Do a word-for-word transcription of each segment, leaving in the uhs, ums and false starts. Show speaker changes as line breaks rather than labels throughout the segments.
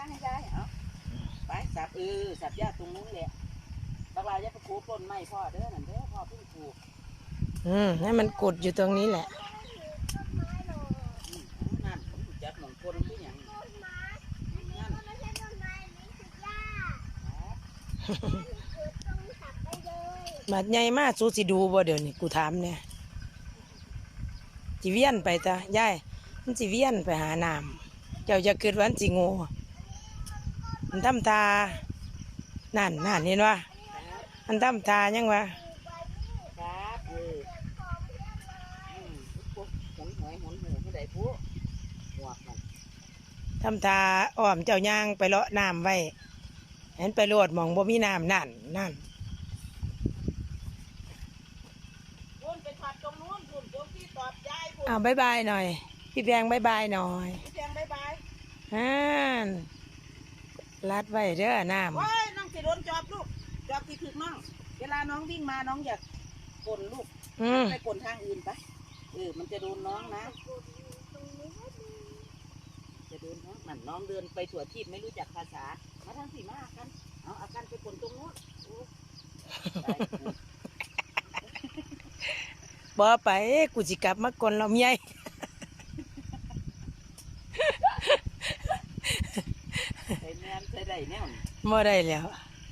าให้ได้เอาไปสับเออสับหญ้าตรงนู้นแหละบางรายจะไปขูดต้นไม้พ่อเด้อนั่นเด้อพ่อเพิ่งปลูก
อืมให้มันกดอยู่ตรงนี้แหละ
นั่นจับหนองคนที่อย่างนั่น
บาดใหญ่มากสู้สิดูบ่เดี๋ยวนี้กูถามเนี่ยจีเวียนไปจ้ะยายมันจีเวียนไปหาน้ำเจ้าจะเกิดวันจีโง่มันทำตานั่นนั่นเห็นวะมันทำตายังวะ
ครับเออปุ๊บหมุนหวยหมุนหูไม่ได้ปุ๊บหมวกมัน
ทำตาอ้อมเจ้าย่างไปเลาะน้ำไว้เห็นไปโลดมองบ่มีน้ำนั่นนั่น
คุณไปขับตรงนู้นคุณตรงที่ตอบยายคุณ
อ้าวบายบายหน่อยพี่แพงบายบายหน่อย
พี่แจงบายบาย
อ่านรัดไว้เด้อน้ำ
โอ้ยน้องสิโดนจอบลูกจอบที่ถึกน้องเวลาน้องวิ่งมาน้องอยากกลนลูกไปกลนทางอื่นไปเออมันจะโดนน้องนะจะโดนน้องนั่นน้องเดินไปถั่วทิพย์ไม่รู้จักภาษามาทางสีมากันเอาอาการไปกลนตรงนู้น
บ่ไปกูสิกลับมากลเราเมีย
ใส่แมนใส่ได้แน่น
บ่ได้แล้ว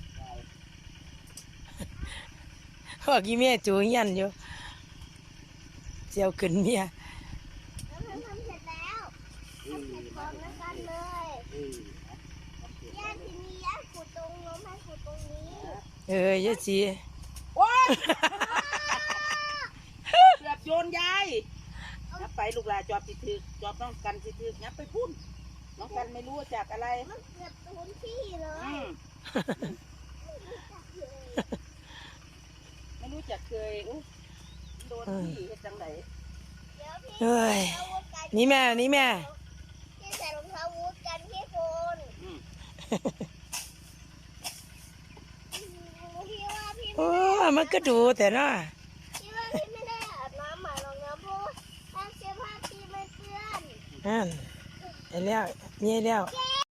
พวกอีเมียจูยันอยู่เจียวขึ้นเมีย
แล้วมันทำเสร็จแล้วทำเสร็จพร้อมแล้วกันเลยย่าทีนี้ย่าขุดตรงน้องให้ขุดตรงนี้
เออยะจี
โอ้ยเกือบโยนยายนับไปลูกหลานจอบติดถือจอบน้องกันติดถือนับไปพุ่นน้องกันไม่รู้จากอะไร
มันเกือบโดนพี่เลย
ไม่รู้จักเคยอุ๊โดนพี่เฮ็ดจังไหน
เฮ้ยนี่แม่นี่แม่
พี่ใส่รองเท้าวูดกันพี่โฟนพี่ว่าพี่
โอ้มันก็ดูแต่เนาะ
พี่ว่าพี่ไม่ได้อาบน้ำหมาหรอกนะเพราะถ้าเสื้อผ้าพี่ไม่เปื้อน
นั่นไอ้แล้วนี่แล้ว
เจ๊